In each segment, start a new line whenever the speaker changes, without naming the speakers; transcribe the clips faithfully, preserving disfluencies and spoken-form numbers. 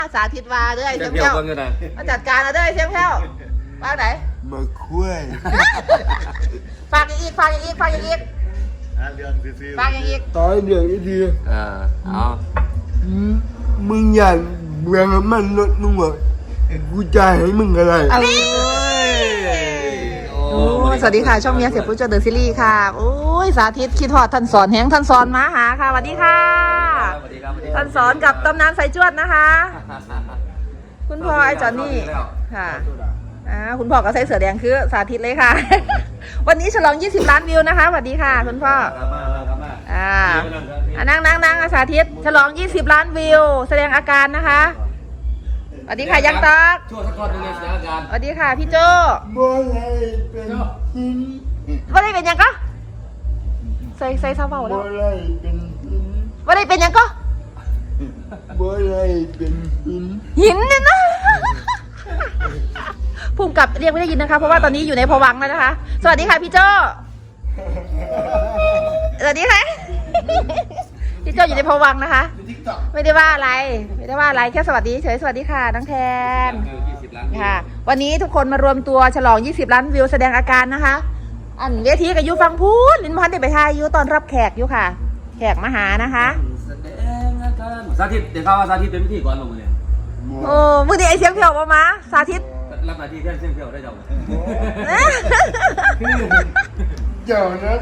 สาธิตว่าเด้อเสียง
เที่
แผ่
ยว
ว
เบิ่งกันนะ
มาจัดการนะเด้อเสียงแผ่วฝากไหน
มาคุย
ฝากอีกฝากอีกฝากอีก
เรื่องซื่อ
ฝากอีก
ตอนเดี๋ยวนี้ดี
เออเอา
มึงอยากเบื่อมันลดมึงบอกกูจะให้มึงอะไร
อะไร
โอ้
โอ้สวัสดีค่ะช่องเมียเสียปุ๊บเจอเดอะซีรีส์ค่ะโอ้ยสาธิตคิดทอดท่านสอนแหงท่านสอนมาหาค่ะสวัสดีค่ะ
สวัสดีครับสวัสดีค
ท่า
รับ
นสอนกับตำนานสายจวดนะคะ คุณพ่อไอ้จอนนี่ค่ะอ่าคุณพ่อก็ใส่เสื้อแดงคือสาธิตเลยค่ะ วันนี้ฉลองยี่สิบล้านวิวนะคะสวัสดีค่ะคุณพ่อ
ครับมาครับมา
อ่าอ่ะนั่งนั่งนั่งสาธิตฉลองยี่สิบล้านวิว แสดงอาการนะคะสวัสดีค่ะยังตอก
ช่วยสักคนหนึ่งเลยเสียอาการ
สวัสดีค่ะพี่โจ
บ่ได้เป็นหิน
ว่าได้เป็นยังก็ใส่ใส่ซาเบาแล้
บ่
ว
ได้เป็นหิน
ว่าได้เป็นยังก็
บ่ได้เป็นหิน
หินเนี่ยนะ ภูมิกับเรียกไม่ได้ยินนะคะ เพราะว่าตอนนี้อยู่ในภวังค์แล้วนะคะ สวัสดีค่ะพี่โจสวัสดีค่ะ พี่โจอยู่ในภวังค์นะคะ ไม่ได้ว่าอะไร ไม่ได้ว่าอะไรแค่สวัสดีเฉยสวัสดีค่ะน้องแทน
ยี่สิบล้าน
ค่ะ วันนี้ทุกคนมารวมตัวฉลองยี่สิบล้านวิวแสดงอาการนะคะ อันเวทีกับยูฟังพูดลินพันธ์ได้ไปทายยูตอนรับแขกอยู่ค่ะ แขกมาหานะคะ
แสดงอาการสาธิตเดี๋ยวเขาว่าสาธิตเป็นพิธีกรลงมาเนี่ย
โอ้มือดีไอเสียงเพียวมามาสาธิต
รับหน้าที่แทนเสียงเที่ยวได้เจ้า
เจ้านะ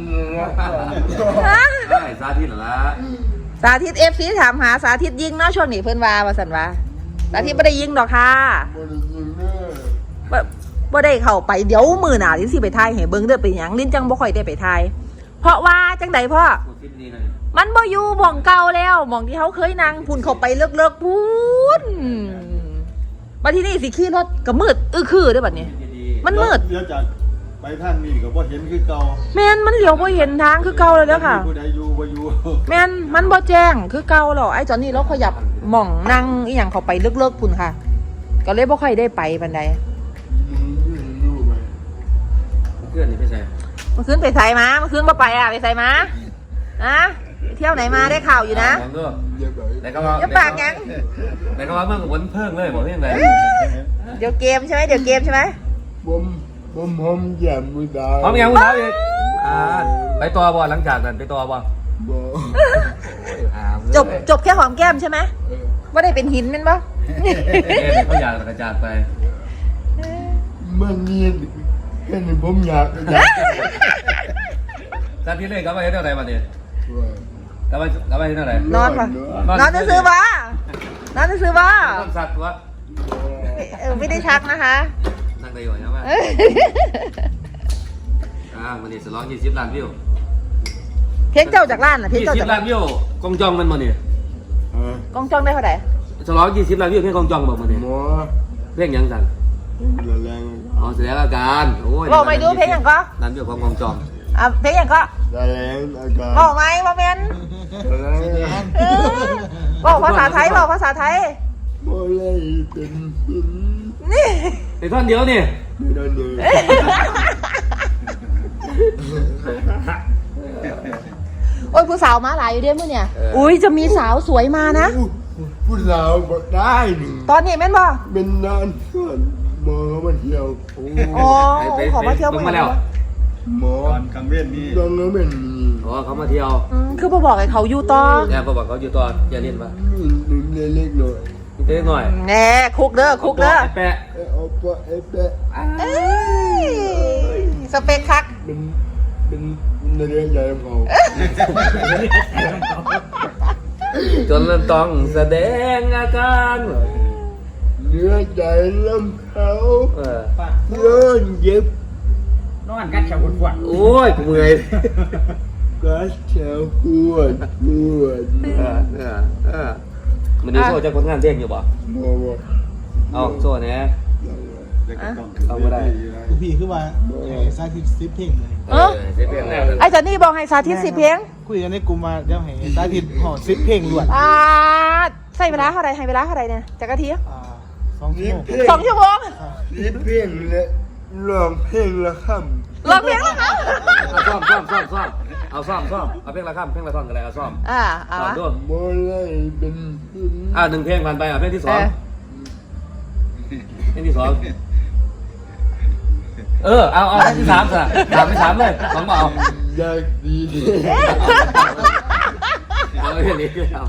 ใช่สาธิตเหรอละ
สาธิตเอฟซีถามหาสาธิตยิงเนาะช่วงนี้เพิ่นว่าว่าสันว่าสาธิตไม่ได้ยิงดอกค่ะ
บ่ได้ยินเด้อ
บ่บ่ได้เข้าไปเดี๋ยวมือหนาลิ้นสิไปทายให้เบิ่งเด้อเป็นหยังลิ้นจังบ่ค่อยได้ไปทายเพราะว่าจังใดพ่อ
พูดคลิปนี้เลย
มันบ่อยู่หม่องเก่าแล้วหม่องที่เขาเคยนั่งพุ่นเข้าไปเลิกๆพุ่นบัดทีนี้สิขี่รถก็มืดอื้อคือเด้อบัดนี้
ดี
มันมืด
เดี๋ยวจากไปทางนี้ก็บ่เห็นคือเก่า
แม่นมันเหลียวบ่เห็นทางคือเก่าแล้วเด้อค่ะ
ผู้ใดอยู่บ่อยู่
แม่นมันบ่แจ้งคือเก่าแล้วไอ้จอนนี่เราขยับหม่องนั่งอีหยังเข้าไปเลิกๆพุ่นค่ะ ก็เลยบ่ค่อยได้ไปปานใด
มึงรู้ไหม
เพื่อนนี่ไม่ใช่
เมื่อคืนไปไสมาเมื่อคืนบ่ไปอ่ะไปไสมาอะไปเที่ยวไหนมาได้ข่าวอยู่นะ
ลองดู
อย่าไป
แต่ก็ว่า
อย่าปากหยัง
แต่ก็ว่าเมื่อวันเพิ่งเลยบอกเรื่องอะไร
เดี๋ยวเกมใช่ไหมเดี๋ยวเกมใช่ไหม
ผมผมผมอย่ามือดา
พร้อมยังคุณเท้าอีกอ่าไปตัวบอลหลังจากนั้นไปตัวบอล
บ่
จบจบแค่หอมแก้มใช่ไหม
เออ
ว่าได้เป็นหินแม่นปะ
เขาอยากกระจาดไป
มันนี่แค่นี้ผมอยากอยาก
สาธิตเลยกลับมาเห็นเท่าไหร่มาเนี่ยกลับมากลับมาเห็นเท่าไหร่
นอนปะนอนจะซื้อปะนอนจะซื้อปะ
ต้องสัตว์วะ
เออไม่ได้ชักนะคะ
นั่งได้อยู่ใช่ไหมอ่าวันนี้สล้องยี่สิบล้านวิว
เพลงเจ้าจากร้านน่ะเพลง
ยี่
เจ้า
สิ
จาก
บล้านวิวกองจองมันมาเนี่ย
กองจองได้เท่าไหร่
สล้องยี่สิบล้านวิวเพลงกองจองบอกมาเนี่ย
หมอ
เพลงยังสั่น
ละแรง
อ๋อแสดงอาการโอ้ย
บอกไม่ดูเพลงอย่างก็
ล้านวิวของกองจอง
อ่ะเพลงอย่างก็
ละแรงอาการ
บอกไหมบอกเมน
ละแรง
เออบอกภาษาไทยบอกภาษาไทย
บ่ได้เป็นหิน
นี่
ไอ้ท่อนเดียวนี่
ไม่ได้เลย
โอ้ยผู้สาวมาหลายอยู่เด้มื่อเนี่ยอุ้ยจะมีสาวสวยมานะ
ผู้สาวบอกได้หนึ่ง
ตอนนี้แม่นบ่
เป็นนานเพื่อนหมอมาเที่ยวโอ้
อ๋อขอมาเที่ยว
มาแล้ว
หมอ
ตอนกลางเว้นนี่
ตอนนั้นเป็นมี
อ๋อเขามาเที่ยว
อืมคือบ่บอกให้เขาอยู่ต่อ
เนี่ยเขาบอกเขาอยู่ตอนอย่าเล่นปะ
นุ่มเล็กๆหน่อย
เล็กหน่อย
แน่คุกเด้อคุกเด้อ
ไอ้แปะ
เออเอาปะเอเปะ
เอ้ยสเปคคัก
เป็นเป็นในเรื่องใหญ่ของเขา
จนมันต้องแสดงอาการ
เนื้อใจลำเขา
เออ
เยินเย็บ
นอนกันแถวขวด
โอ้ยกูเมื่อย
กัสแถวปวดปวด
เออเออเออมันนี่โซ่จะคนงานเที่ยงอยู่บ่
หมอบอก
เอาโซ่เนี่ย
แล้วก็ต้อง
เอาบ่ได้
กูพี่คือว่าซาทิซิปเพลงเลย
เออ
เสียเปลี่ยนแล้ว
ไอ้จอนนี่บอกให้สาธิตสิเพลง
คุยกันในกลุ่มมาเดี๋ยวให้ซาทิห่อซิปเพลงล้วน
อ่าใส่เวลาเท่าไรให้เวลาเท่าไรเนี่ยจักรที
อ่าสองชั่วโมง
สองชั่วโมง
นี่เพลงและร้องเพลงละค
ร้องเพลงแล้วคะ
ซ่อมซ่อมซ่อมซ่อมเอาซ่อมซ่อมเอาเพลงละคำเพลงละท่อนกันเลยเอาซ่อม
อ่าเอา
ซ่อม
วะ
ด้วย
บ่ได้เป็น
อ่าหนึ่งเพลงผ่านไปอ่ะเพลงที่ส
เอ
อง
อ
เพลงที่สองเออเอาเอาเพลงที่สามสิสามไม่สามเลยสองเปล่า
อยากดี
เอาเพลงนี้เอา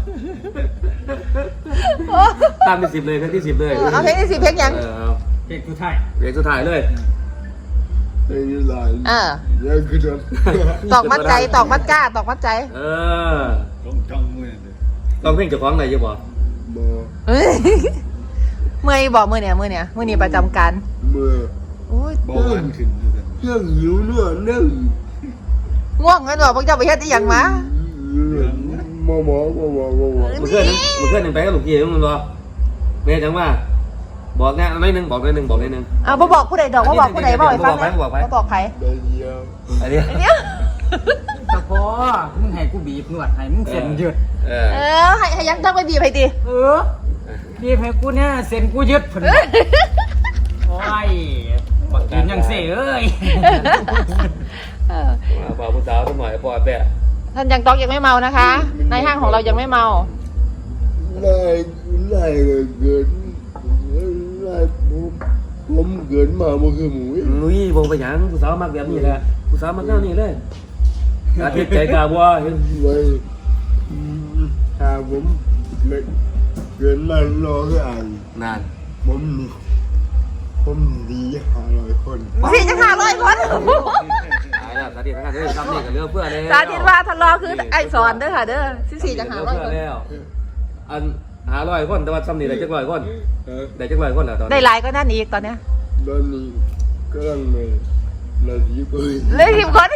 ตามเป็นสิบเลยเพลงที่สิบเลย
เออเอาเพลงที่สิเพลงยัง
เออเอา
เพลงสุดท้าย
เพลงสุดท้ายเลย
เป็นหลาย
เออ
อยากคือจะ
ตอกมัดใจตอกมัดก้าตอกมัดใจ
เออ
ต้องจ้องมือนั่นเด้อ
ต้องเพลงเจ้าของไหนจะบอก
บ่
เฮ้ยเมื่อยบอกเมื่อเนี่ยเมื่อเนี่ยเมื่อนี้ประจำการ
เมื่อ
โอ้ย
เบาหวานขึ้นอยู่ซั่น
เครื่องหิวเนื้อนึ่ง
ง่วงกันบอกพวกเจ้าไปเฮ็ดอีหยังมา
หมอหมอหมอหมอหมอหมอ
เมื่อคืนนึงเมื่อคืนนึงไปกับลูกพี่มึงบอกเมย์จังว่าบอกแน่น้อยนึงบอกน้อยนึงบอกน้อยนึง
เอาบ่บอกผู้ใดดอกบ่บอกผู้ใดบอกให้ฟังนะ
บ่บอกไผ
บ่บอกใคร
ได้เดียว
อันนี้
อันเนี้ย
แต่พอมึงให้กูบีบนวดให้มึงเส้นยืด
เออ
เออให้ให้ยังต้องไปบีบให้ดิ
เออบีบให้กูเนี่ยเส้นกูยืดผนโอ้ยบักกินยังเซ่เอ้ย
เออ
มาบอกผู้สาวสักหน่อยปล่อยแปะ
ท่านยังต้องยังไม่เมานะคะ ในห้างของเรายังไม่เมา
ไล่ไล่เกิดไล่ผมผมเกิดมาบ่คือหมู
นุ้ยบอกไปหยังผู้สาวมักแบบนี้แหละผู้สาวมักแนวนี้เลยอาทิตย์ใจกาบัวเห็น
ไว้ถ้าผมเกิดเกิดมารอคืออ่าน
นาน
ผมนี่ผมดีห้าร้อยคน
พี่จะขาร้อยคน
ตายแล้วสาธิตนะครับเด้อทำนี่กับเรือเพื่อแล้ว
สาธิตว่าทะเลาะคือไอสอนเด้อค่ะเด้อสิสี่จะหาร้อยคน
แล้วอันหาร้อยคนแต่ว่าซ้ำนี่ได้จักร้อยคน
เออ
ได้จักร้อยคนแล้วตอน
ได้
นี้
หลายก็นั่นอีกตอนเนี้ย
ตอนนี้กำลังในนาทีปืน
เลยทีมคน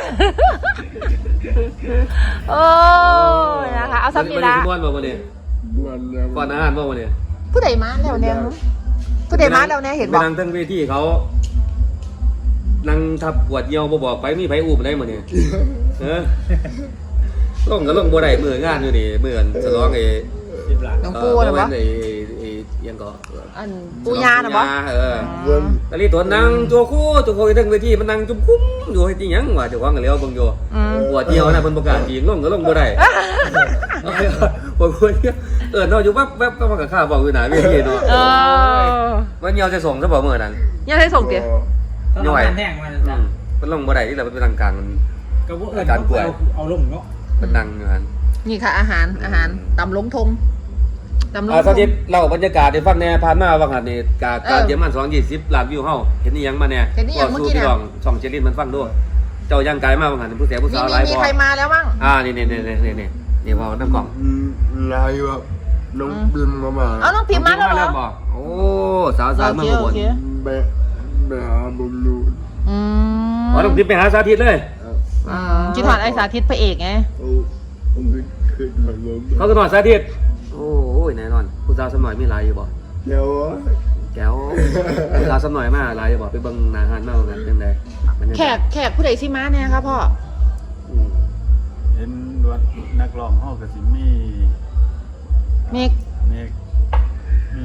โอ้ยนะคะเอาซ้ำนี่ละ
ม้วนบ่วันนี้
วันแล้ว
ก่อนอาหารบ่วันนี้
ผู้ใดมาแล้วเนี่ยผู้ใดมาแล้วเนี่ยเห็น
ไป
บอก
นั่งทั้งเวทีเขานั่งทับปวดเยี่ยวบ่บอกไปมีไผอูบได้หมดเนี่ยเออลงก็ลงบ่ได้มืองานอยู่นี่มืออันฉลองไอ้
สิบล้าน
น้องปูนะ
เออ
วะ
ไอ้ไอ้ยังก็
อันปูยานะบอ
เออ
วัน
ตะลีตัวนั่งโจโคโจโคอยู่ทั้งเวทีมันนั่งจุ่มคุ้มอยู่ให้ที่หยังว่าเจ้าของก็เลี้ยวเบิ่งอยู่
อืม
ปวดเยี่ยวนะเพิ่นประกาศจริงลงก็ลงบ่ได้ปวดปวดเออเนาะอยู่วับวับก็มากับข้าวบอกอยู่หน้าเวทีเนาะ
เออ
ว่าเหี่ยวจะส่งซะบ่มื้อนั้น
ยังให้ส่งเตี๋ย
ต้องทำงานแห้งมา
อื
จ้ะ
มมันลงบ่ได้ที่เราเป็นทางกลางมัน
ก็บ่เอิ้น
การป่วย
เอาเอาลงเนาะ
มันนั่งอยู่หั่น
นี่ค่ะอาหารอาหารตำลงทงตำลง
อ่า
ท
สาง ธิตเล่าบรรยากาศให้ฟังแหน่ผ่านมาว่าหั่นนี่กา
เออ
การเยอรมันสองร้อยยี่สิบล้านวิวเฮาเห็นอีหยังมาแหน่
เห็นอีหยังเมื่อกี้
สู้
น่ะ
พี่น้องช่องเจริญมันฟังด้วยเจ้าย่างกายมาว่าหั่นผู้แสบผู้
มี
สาว
มี
หลาย
มี
บ่
ใครมาแล้วบ้าง
อ่านี่ๆๆๆๆนี่ว่าน้ำกล่อง
ลายว่าน้องบิมมามา
เอาน้องพิมพ์มาแล้วเหรอ
บ่โอ้สาวสาวเมืองอุบล
โอเค
ไปไปหาบุญรู
อืม
อ๋อต้องพิมพ์ไปหาสาธิตเลย
อืมคิดถอดไอสาธิตพระเอกไง
โอ้ผมเคยถอยลม
เขาก็นอนสาธิตโอ้ยแน่นอนผู้สาวสมัยมีหลายอยู่บ่
เดี๋ยว
แก้วผู้สาวสมัยมาหลายอยู่บ่ไปเบิ่งหน้าหานมาว่ากันจังไดมันยัง
แขกแขกผู้ใดสิมาเนี่ยครับพ่อ
อืม
เห็นว่านักร้องเฮาก็สิมี
เมก
เมกมี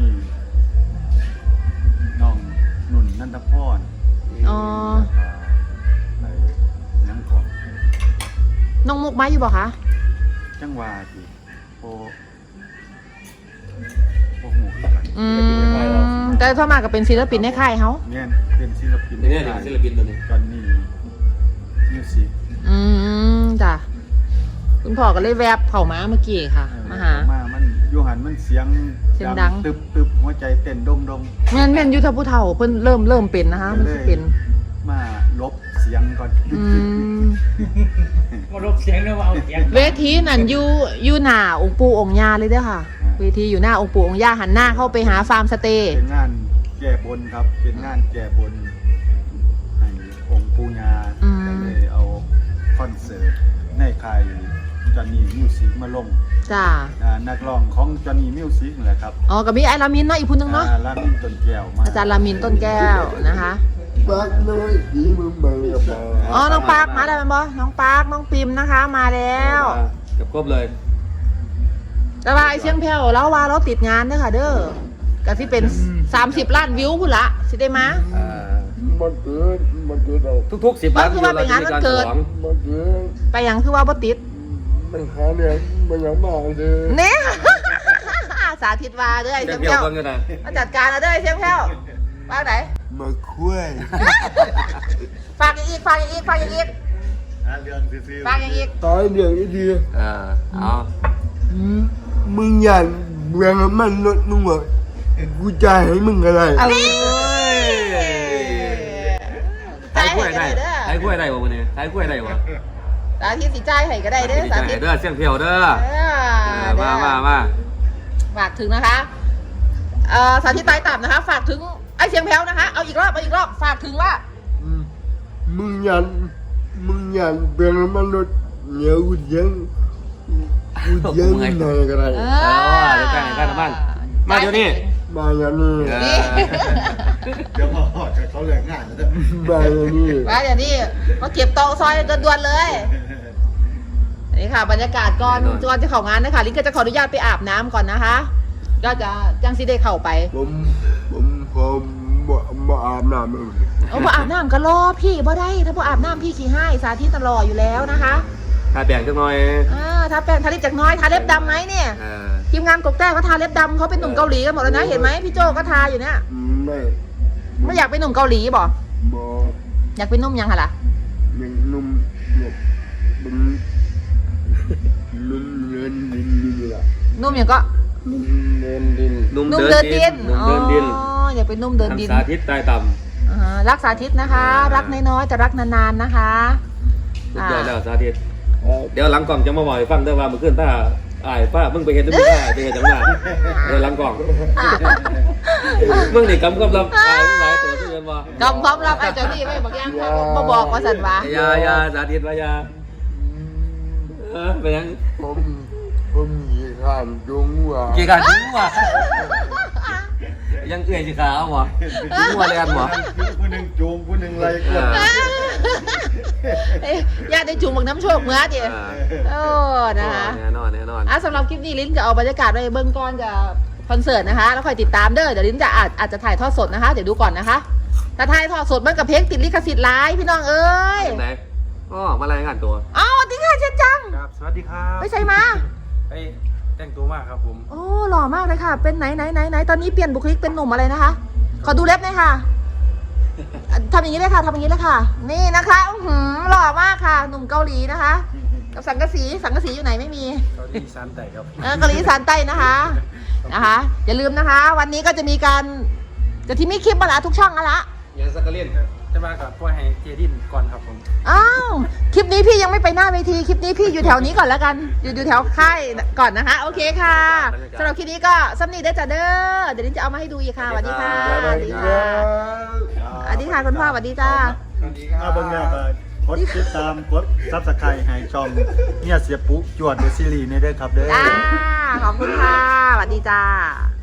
น้องนุ่นนันทพร
อ๋อ
ไอ้นังของ
น้องมุกมาอยู่บ่คะ
จังหวะที่โอโอ้โหคือกัน
อืมแต่ถ้ามาก็เป็นศิลปินในค่ายเขา
เนี่ยเป็นศิลปิน
นี่เนี่ยศิลปินตัวนี้
จอนนี่มิวสิก
อืมจ้ะคุณพ่อก็เลยแวบเข้ามาเมื่อกี้ค่ะ มาหา
มามันอยู่หันมันเสียง
เสียงดัง
ตึบตึบหัวใจเต้นดมดม
แม่นแม่นอยุทธผู้เฒ่าเพิ่นเริ่มเริ่มเป็นนะคะมันสิเป็น
มาลบเสียงก่อน
อืม
มาลบเสียงด้วยว่าเอาเสียง
เวทีนั่นอยู่อยู่หน้าองค์ปู่องค์ย่าเลยเด้อค่ะ เวทีอยู่หน้าองค์ปู่องค์ย่าหันหน้าเข้าไปหาฟาร์มสเตย์
เป็นงานแก้บนครับ เป็นงานแก้บนให้องค์ปูญาก็เลยเอาคอนเสิร์ตในค่ายจอนนี่มิวสิกมาลง
จ้า
อ่านักร้องของจอนนี่มิวสิกนั่นแหละครับ
อ๋อกับมีไอ้ลามินเนาะอีกผู้หนึงเนาะ
อ่าลามินต้นแก้วมา
อาจารย์ลามินต้นแก้วนะคะ
ปักน้อยดีมึงบังกับมา
อ๋อน้องปาร์คมาแล้วแม่นบ่น้องปาร์คน้องปิมนะคะ มาแล้ว
เกับครบเลย
แต่ว่าไอ้เชียงแผ่วเราว่าเราติดงานเด้อค่ะ เด้อก็สิเป็นสามสิบล้านวิวพุ่นละสิได้มา
อ่า
มันเกิดมันเกิดเรา
ทุกๆสิบล้านวิวเราจะมีการฉลอง
มันเกิด
ไปยังคือว่าบ่ติด
มันหาเนี่ยมันยังมาเลย
เนี่ย สาธิตว่าเด้อไอ้
เดี๋
เสี
ย
ยว ง
เดี๋ยว
แพ้ว
เบิ่งกันนะ
มาจัดการเอาเด้อไอ้เสียงแพ้วว่าไหน
มาคุย
ฝากอย่างอีกฝากอย่างอีกฝากอย่างอีก
หาเรื่องซื่อๆ
ฝากอย่างอีก
ตายเดี๋ยวนี้ดี
เออเอา
มึงอยากเบื่อมันลดมึงบอกกูจ่ายให้มึงอะไร
เอา
ใครกล้วยได้ใครกล้วยได้บ่มื้อนี้ใครกล้วยได้บ่
สาธิตสิจ่ายให้ก็ได้เด้อสาธิต
เด้อเสียงเพียวเด้อ
เออ
มามามา
ฝากถึงนะคะเอ่อสาธิตตายต่ำนะคะ ฝากถึงไอ้เสียงแพ้วนะคะ เอาอีกรอบเอาอีกรอบฝากถึงว่า
มึงอยากมึงอยากเบื่อมันลดเหนียวกูเลี้ยังกูเลี้ยังหน่อยก็ได้
เอ
เออเดี๋ยวจ่ายให้กันนะบ้านมาเดี๋ยวนี้
มาอย่างนี้
เออ
นี่
เดี๋ยวพอจะเขาเหลืองานแล้วจะ
มาอย่างนี้
มาเดี๋ยวนี้มาเก็บโต๊ะซอยด่วนๆเลยนี่ค่ะ บรรยากาศก่อนก่อนจะเข้างานนะคะลิงก็จะขออนุญาตไปอาบน้ำก่อนนะคะ ก็จะจังซีได้เข้าไป
ผมผมผมบ่บ่อาบน้ำเลย
เอาพออาบน้ำก็รอพี่บ่ได้ ถ้าพออาบน้ำพี่ขี้ให้สาธิตตลอดอยู่แล้วนะคะ
ถ้าแบ่งจักหน่อย
อ่าถ้าแป้งทาลิปจากน้อยทาเล็บดำไหมเนี่ย
เออ
ทีมงานกกแต้ก็ทาเล็บดำเขาเป็นหนุ่มเกาหลีกันหมดแล้วนะเห็นไหมพี่โจก็ทาอยู่เนี่ย
ไม่
ไม่อยากเป็นหนุ่มเกาหลีบ่
บ่
อยากเป็นหนุ่มยังคะล่ะ
ยังนุ่มเนี่ยเป็นนุ่มเงินดินดินล่ะ
หนุ่มยังก็
นุ่มเงินดิน
หนุ่ม
หนุ่ม
เดิ
เดิ
น
น
ดิ
ดิ
น
น
หนุ่มเดินดิน
อ๋ออยากเป็นหนุ่มเดินดิน
ทำสาธิตใต้ต่ำ
อ่ารักสาธิตนะคะ
อ่ารั
รักน้อยๆแต่รักนานๆนะคะ
สุดยอดแล้วสาธิต
เอ่อ
เดี๋ยวหลังกล่องจะมาบอกให้ฟังได้อว่าเมื่อคืนถ้าอ้ายป้ามึงไปเห็นด้วยมึงได้ไปเห็นจังหวะเดี๋ยวหลังกล่องมึงนี่กำกับรับอ้ายมึงหลายตัวที่เรียนบ่
กำความลับไอ้เจ้านี่ไม่บอกยังค่ะบ่บอกว่าสันวะ
อยาอยาสาธิตว่ายาเออเป็นยัง
ผมผมยีข้ามจงว่า
กี่การถึงวะยังเอื่อยสิขาเอาบ่ถึงวัวเรียนบ่
ผู้หนึ่งจูงผู้หนึ่งไล่กด
เอ้ยญาติได้จุ่มบักน้ำโชคเมื่อดิโอ้นะคะ
แน่นอนแน่นอน
อ่ะสำหรับคลิปนี้ลิ้นจะเอาบรรยากาศไปเบื้องก้อนกับคอนเสิร์ตนะคะ แล้วคอยติดตามเด้อเดี๋ยวลิ้นจะอาจอาจจะถ่ายทอดสดนะคะ เดี๋ยวดูก่อนนะคะแต่ถ่ายทอดสดมันกับเพลงติดลิขสิทธิ์ไลฟ์พี่น้องเอ้ย
ไหนอ๋อมารายงานตัว
เอ้าสวัสดีค่ะเชนจัง
ครับสวัสดีครับ
ไปใส่มา
ไปแต่งตัวมากครับผม
โอ้หล่อมากเลยค่ะ เป็นไหนไหนไหนไหนตอนนี้เปลี่ยนบุคลิกเป็นหนุ่มอะไรนะคะ ขอดูเล็บหน่อยค่ะอ่ะทำอย่างนี้เลยค่ะทำอย่างนี้เลยค่ะ นี่นะคะอื้อหือหล่อมากค่ะ หนุ่มเกาหลีนะคะ กับสังกะสีสังกะสีอยู่ไหนไม่มี
เกาหลีซานไต่ครับ
เออเกาหลีอีสานใต้นะคะนะคะ อย่าลืมนะคะ วันนี้ก็จะมีการจะที่มีคลิปมาละทุกช่องอะละ
ยังสักกะเล่น
จะมากับพ่อให้เจดินก่อนครับผม
อ้าวคลิปนี้พี่ยังไม่ไปหน้าเวทีคลิปนี้พี่อยู่แถวนี้ก่อนแล้วกัน อยู่อยู่แถวค่ายก่อนนะคะ โอเคค่ะสำหรับคลิปนี้ก็ซัมนี่ได้อจ้ะเด้อเดี๋ยวนี้จะเอามาให้ดูอีกค่ะสวัสดีค่ะสวัสดีค่ะสวัสดีค่ะคุณพ่อสวัสดีจ้า
เอาเบิ่งแล้วก็กดติดตามกดซับสไครต์ให้ช่องเนี่ยเสียปุ๊จวดเดอะซีรีส์นี่เด้อครับเด้อ
จ้าขอบคุณค่ะสวัสดีจ้า